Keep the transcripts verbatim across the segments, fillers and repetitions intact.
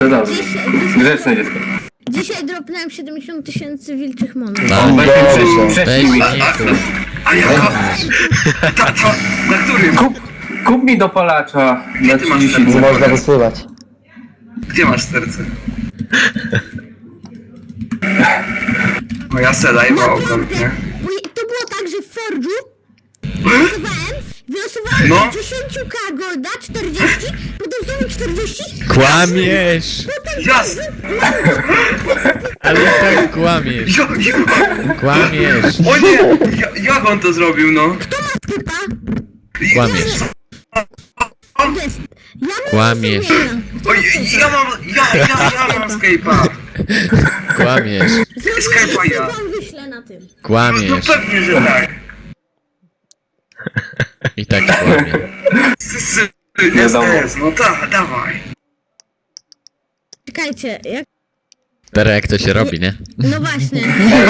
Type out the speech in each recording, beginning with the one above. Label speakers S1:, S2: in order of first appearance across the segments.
S1: To dobrze.
S2: Dzisiaj,
S1: Grzeczne dziecko.
S2: dzisiaj dropnąłem siedemdziesiąt tysięcy wilczych monet.
S1: On weź mi
S3: dobrze.
S1: prześ- prześlij mi.
S4: Weź nie tu.
S3: A jaka? Ta, ta, na którym?
S1: Kup, kup mi dopalacza na
S3: ty masz
S1: trzydzieści.
S3: serce?
S5: Nie można wysyłać.
S3: Gdzie masz serce? No ja se live'a oglądam, nie?
S2: Bo to było tak, że w Forge'u wylosowałem, wylosowałem
S3: No.
S2: dziesięć ka golda, czterdzieści, potem znowu czterdzieści.
S4: Kłamiesz!
S3: Jasne!
S4: Ale i tak kłamiesz.
S3: Ja, ja,
S4: Kłamiesz.
S3: o nie! Ja, jak on to zrobił, no?
S2: Typa,
S4: Kłamiesz.
S2: to jest, ja mu
S4: Kłamiesz.
S2: wysyłam.
S3: Oj, ja mam, ja, ja, ja mam Skype'a.
S4: Kłamiesz.
S3: Skype'a ja.
S2: Wam wyślę na tym.
S3: No, no
S4: Kłamiesz.
S3: pewnie, że tak.
S4: I tak kłamie.
S3: S, s,
S1: Wiadomo.
S3: S, S, no ta, dawaj.
S2: Czekajcie, jak...
S4: Teraz jak to się robi, nie?
S2: No właśnie.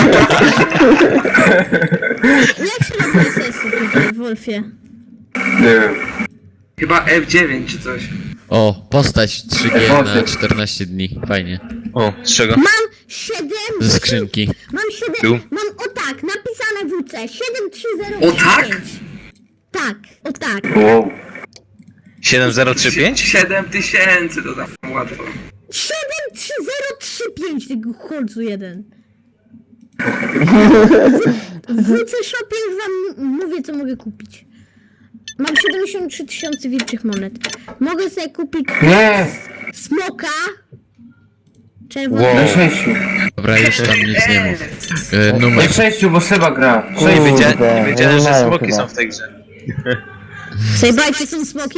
S2: Jak się robi sesy tutaj w Wolfie?
S1: Nie wiem.
S3: Chyba F dziewięć czy coś.
S4: O, postać trzy G na czternaście dni. Fajnie.
S6: O, z czego?
S2: Mam siedem...
S4: Ze skrzynki.
S2: Mam siedem...
S6: Tu?
S2: Mam o tak, napisane w C. siedem trzy zero
S3: O tak?
S2: Tak, o tak.
S1: Wow.
S6: siedem zero trzy pięć?
S3: siedem tysięcy to tam łatwo.
S2: siedem trzy zero trzy pięć tego chłodzu jeden. W C Shopie już wam mówię, co mogę kupić. Mam siedemdziesiąt trzy tysiące wilczych monet. Mogę sobie kupić
S1: Nie!
S2: smoka.
S1: Na
S2: Czerwony.
S1: sześciu.
S4: Dobra, już tam nic nie mów. E,
S1: Na
S4: numer.
S1: sześciu, bo Seba gra.
S6: Nie
S1: Sześć będzie.
S6: wiedziałem, nie wiedziałem
S5: nie
S6: że
S5: mają
S6: smoki
S5: chyba.
S6: są w tej grze.
S2: Sejbajcie są smoki?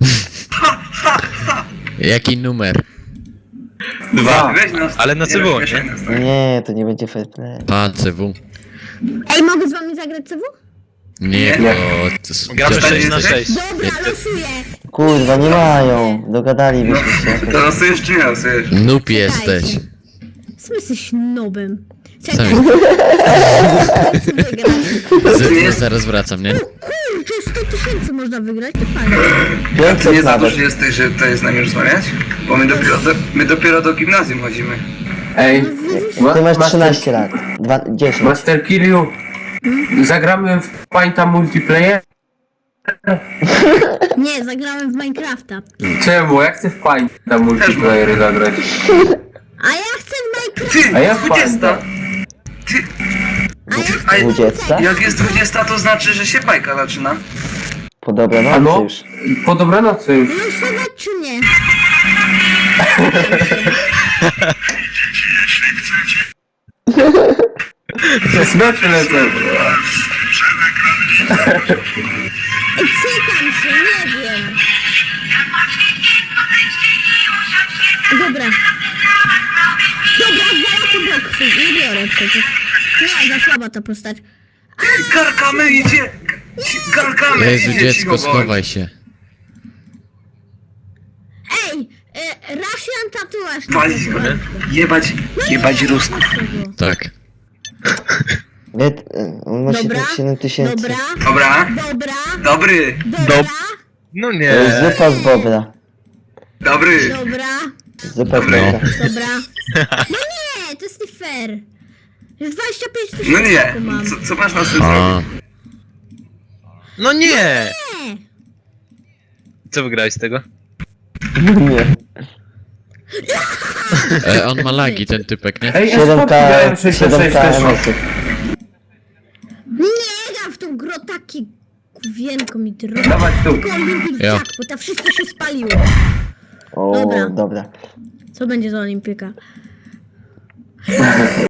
S4: Jaki numer?
S1: Dwa.
S3: Weź nas,
S6: Ale na C W,
S3: weź
S6: nie?
S3: nas, tak.
S5: Nie, to nie będzie fair play.
S4: A, C W.
S2: Ej, mogę z wami zagrać C W?
S4: Nie, to... to s-
S6: Gramy
S3: Dostaniesz
S6: sześć na
S3: coś?
S6: sześć.
S2: Dobra, losuję.
S5: Kurwa, nie mają. Dogadalibyśmy się.
S3: To losujesz czy nie losujesz?
S4: Noob jesteś.
S2: Sam jesteś nobem.
S4: Sam
S2: Czekaj,
S4: jest.
S2: co wygrać?
S4: Z, zaraz wracam, nie?
S2: Kurczę, sto tysięcy można wygrać, to fajnie.
S3: A ty nie
S5: pięćset
S3: za
S5: nawet.
S3: duży jesteś, że tutaj z nami rozmawiać? Bo my dopiero do, my dopiero do gimnazjum chodzimy.
S1: Ej,
S5: Ty masz
S1: Master-
S5: trzynaście lat. Dwa, dziesięć.
S1: Master Kiryu, zagramy w Painta multiplayer?
S2: Nie, zagrałem w Minecrafta.
S1: Czemu? Ja chcę w Painta multiplayer zagrać.
S2: A ja chcę w Minecraft.
S3: Ty,
S1: A ja
S3: dwudziesta! Ty,
S2: A ja
S3: ty,
S2: chcę
S3: a
S5: Dwudziesta?
S3: jak jest dwudziesta, to znaczy, że się bajka zaczyna.
S5: Po dobranocy
S1: Ano?
S5: już.
S1: Po dobranocy już.
S2: losować czy nie?
S1: Znaczy lecę.
S2: Ej, cykam się, nie wiem. Dobra. Dobra, dwa lata boksy. Nie biorę przecież. Nie, za słaba ta postać.
S3: Garkamy idzie! Garkamy
S4: Jezu,
S3: idzie,
S4: dziecko,
S3: cicho bądź.
S4: schowaj się.
S2: Ej, e, Russian tatuaż. na
S3: Walić go,
S2: pewno.
S3: jebać, jebać Rusków.
S4: Tak.
S5: Nie, t- on ma
S2: Dobra,
S5: siedem tysięcy.
S2: dobra,
S3: Dobra,
S2: dobra,
S3: dobry,
S2: dobra,
S6: No
S5: To jest
S6: nie.
S5: zupa z bobra.
S3: dobry.
S2: dobra,
S5: Zupa z bobra.
S2: dobra. No nie, to jest nie fair. Już dwadzieścia pięć tysięcy
S3: No nie,
S2: mam.
S3: co, co masz na tym
S4: A,
S3: zrobić?
S6: No nie.
S2: Nie.
S6: Co wygrałeś z tego?
S5: Nie.
S4: e, on ma lagi, ten typek, nie?
S1: Ej,
S5: siedem
S1: S-Pop
S5: K,
S1: grałem sześćdziesiąt
S5: siedem
S1: sześć
S5: K
S1: też mam.
S5: emosów.
S2: Nie gram w tą grę taki kuwienko mi drogi.
S1: Dawać tu.
S2: Tylko Olympic
S4: Ja.
S2: Jackpot, a wszystko się spaliło.
S5: O,
S2: Dobra.
S5: dobra.
S2: Co będzie za Olimpika?